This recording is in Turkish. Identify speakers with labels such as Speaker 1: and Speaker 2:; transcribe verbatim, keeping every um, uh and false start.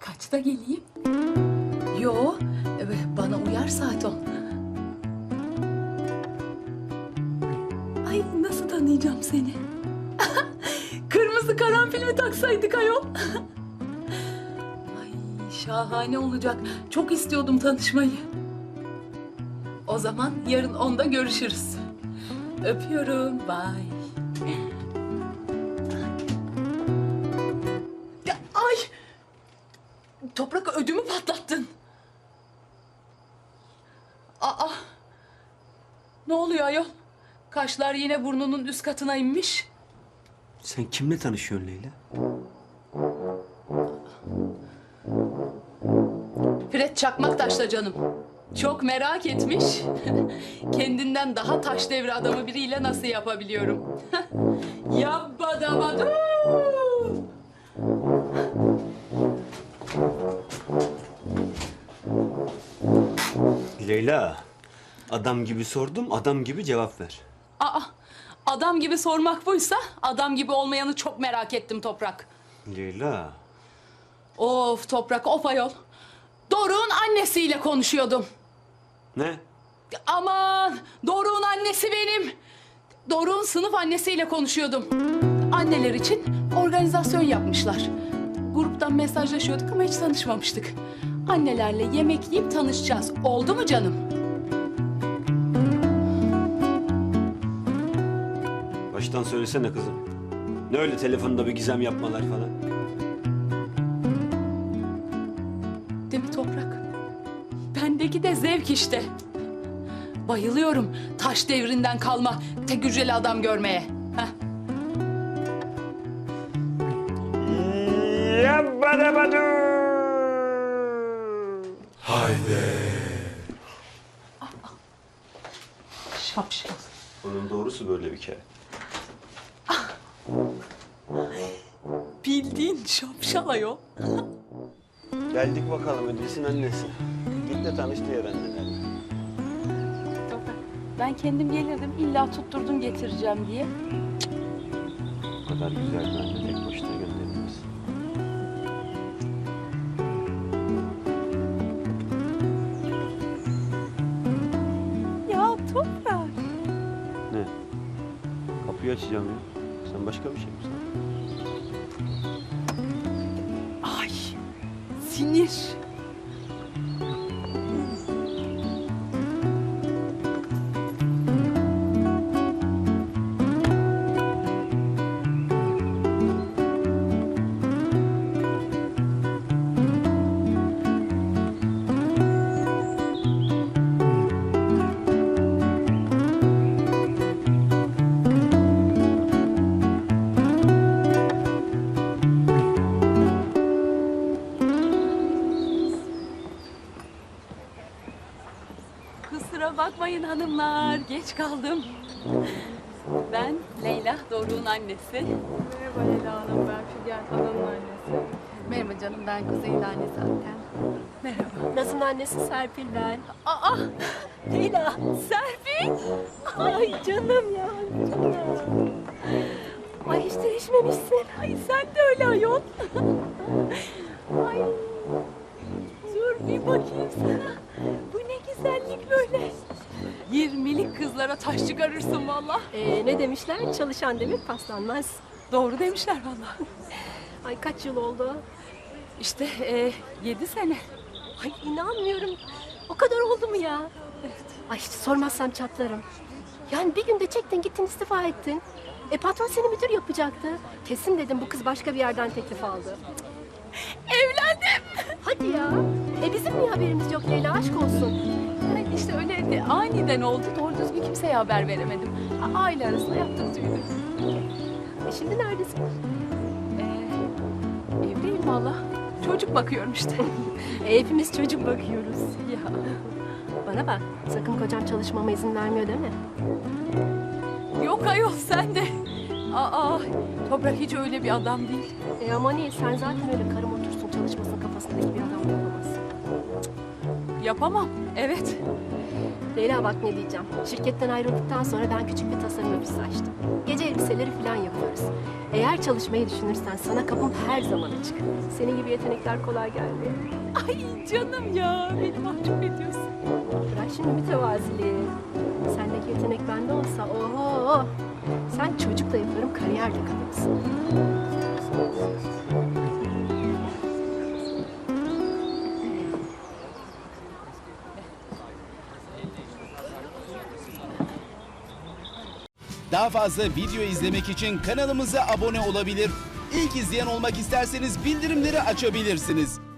Speaker 1: Kaçta geleyim? Yo, evet, bana uyar saat on. Ay nasıl tanıyacağım seni? Kırmızı karanfil mi taksaydık ayol? Ay şahane olacak. Çok istiyordum tanışmayı. O zaman yarın onda görüşürüz. Öpüyorum. Bye. Ya, ay! Toprak ödümü patlattın. Aa! Ne oluyor ayol? Kaşlar yine burnunun üst katına inmiş.
Speaker 2: Sen kimle tanışıyorsun Leyla?
Speaker 1: Fred Çakmaktaş'la canım. Çok merak etmiş. Kendinden daha taş devri adamı biriyle nasıl yapabiliyorum? Yabbadabadu!
Speaker 2: Leyla, adam gibi sordum, adam gibi cevap ver.
Speaker 1: Aa, adam gibi sormak buysa adam gibi olmayanı çok merak ettim Toprak.
Speaker 2: Leyla,
Speaker 1: Of Toprak, of ayol. Doruk'un annesiyle konuşuyordum.
Speaker 2: ne?
Speaker 1: Aman, Doruk'un annesi benim. Doruk'un sınıf annesiyle konuşuyordum. Anneler için organizasyon yapmışlar. Gruptan mesajlaşıyorduk ama hiç tanışmamıştık. Annelerle yemek yiyip tanışacağız. Oldu mu canım?
Speaker 2: Baştan söylesene kızım. Ne öyle telefonda bir gizem yapmalar falan?
Speaker 1: Değil mi Toprak? Bendeki de zevk işte. Bayılıyorum taş devrinden kalma tek hücreli adam görmeye. Heh.
Speaker 2: Yabbadabadu!
Speaker 1: Şapşal.
Speaker 2: Onun doğrusu böyle bir kere.
Speaker 1: Bildiğin şapşal ayol.
Speaker 2: Geldik bakalım Ödülsün annesi. Git de tanış diğer annelerle.
Speaker 1: Toprak, ben kendim gelirdim. İlla tutturdun getireceğim diye.
Speaker 2: O kadar güzel bir anne tek başına gönderilmez.
Speaker 1: Ya Toprak.
Speaker 2: Ne? Kapıyı açacağım ya. Sen başka bir şey mi sandın?
Speaker 1: Ay sinir. Kusura bakmayın hanımlar, geç kaldım. Ben Leyla, Doruk'un annesi.
Speaker 3: Merhaba Leyla Hanım, ben Figen Hanım'ın annesi.
Speaker 4: Merhaba canım, ben Kuzey'in annesi zaten.
Speaker 1: Merhaba.
Speaker 3: Naz'ın annesi Serpil ben.
Speaker 1: Aa, Leyla, Serpil.
Speaker 3: Ay canım ya, canım. Ay hiç değişmemişsin.
Speaker 1: Ay sen de öyle ayol. Ay, dur bir bakayım sana. Bu ne güzellik böyle. Yirmilik kızlara taş çıkarırsın vallahi.
Speaker 3: Ee, ne demişler? Çalışan demir paslanmaz.
Speaker 1: Doğru demişler vallahi.
Speaker 3: Ay kaç yıl oldu?
Speaker 1: İşte e, yedi sene.
Speaker 3: Ay inanmıyorum. O kadar oldu mu ya? Evet. Ay hiç sormazsam çatlarım. Yani bir günde çektin gittin istifa ettin. E patron seni müdür yapacaktı. Kesin dedim bu kız başka bir yerden teklif aldı.
Speaker 1: Evlendim.
Speaker 3: Hadi ya. E bizim niye haberimiz yok Leyla, aşk olsun.
Speaker 1: Yani işte öyle de aniden oldu. Doğru düzgün kimseye haber veremedim. A- Aile arasında yaptık düğünü.
Speaker 3: E şimdi neredesin?
Speaker 1: Ee, evliyim valla. Çocuk bakıyorum işte.
Speaker 3: E, hepimiz çocuk bakıyoruz.
Speaker 1: Ya.
Speaker 3: Bana bak, sakın kocam çalışmama izin vermiyor değil mi?
Speaker 1: Yok ayol sen de. Aa, Toprak hiç öyle bir adam değil.
Speaker 3: E ama niye? Sen zaten öyle karım otursun çalışmasın kafasındaki bir adam yapamazsın.
Speaker 1: Yapamam, evet.
Speaker 3: Leyla bak ne diyeceğim. Şirketten ayrıldıktan sonra ben küçük bir tasarım ofisi açtım. Gece elbiseleri falan yapıyoruz. Eğer çalışmayı düşünürsen sana kapım her zaman açık. Senin gibi yetenekler kolay gelmiyor.
Speaker 1: Ay canım ya, beni mahcup ediyorsun.
Speaker 3: Bırak şimdi mütevaziliği. Sendeki yetenek bende olsa oho. Sen çocukla yaparım, kariyer de kalırsın.
Speaker 5: Daha fazla video izlemek için kanalımıza abone olabilir. İlk izleyen olmak isterseniz bildirimleri açabilirsiniz.